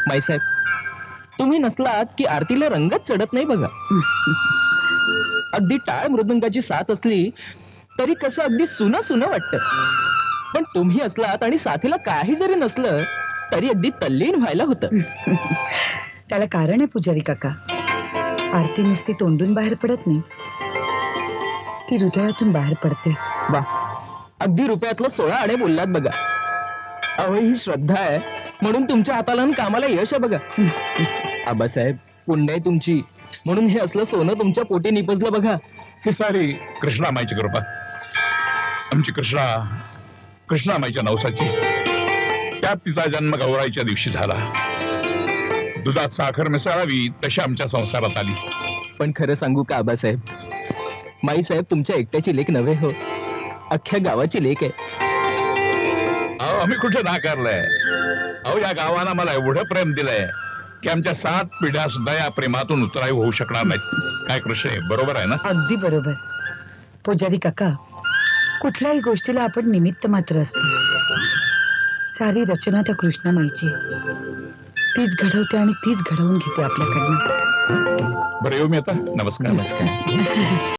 माईसाहेब, तुम्ही नसलात की आरतीला रंगच चढत नाही बघा. अगदी टाळ मृदंगाची साथ असली तरी कसं अगदी सुनं सुनं वाटतं. पण तुम्ही असलात आणि साथीला काही जरी नसलं तरी अगदी तल्लीन व्हायला होतं. त्याला कारण आहे पुजारी काका. आरती नुसती तोंडून बाहेर पडत नाही, ती हृदयातून बाहेर पडते. वा, अगदी रुपयातलं 16 आणे बोललात बघा. अहो, ही श्रद्धा आहे म्हणून तुमच्या हाताला आणि कामाला यश आहे बघा. आबासाहेब, पुण्य आहे तुमची म्हणून हे असलं सोनं तुमच्या पोटी निपजलं बघा. ही सारी कृष्णामाईची कृपा. आमची कृष्णामाईच्या नवसाची. त्यात तिचा जन्म गौराईच्या दिवशी झाला. दुधात साखर मिसळावी तशी आमच्या संसारात आली. पण खरं सांगू का आबासाहेब, माईसाहेब तुमच्या एकट्याची लेख नव्हे हो, अख्ख्या गावाची लेख आहे. अहो, आम्ही कुठे नाकारलंय. अहो, या गावानं मला एवढं प्रेम दिलंय की आमच्या 7 पिढ्या सुद्धा या प्रेमातून उतराई होऊ शकणार नाहीत. काय कृष्ण, बरोबर आहे ना? अगदी बरोबर. पुजारी काका, कुठल्याही गोष्टीला आपण निमित्त मात्र असतो. सारी रचना त्या कृष्णामाईची. तीच घडवते आणि तीच घडवून घेते आपल्याकडनं. बरं, येऊ मी आता. नमस्कार. नमस्कार.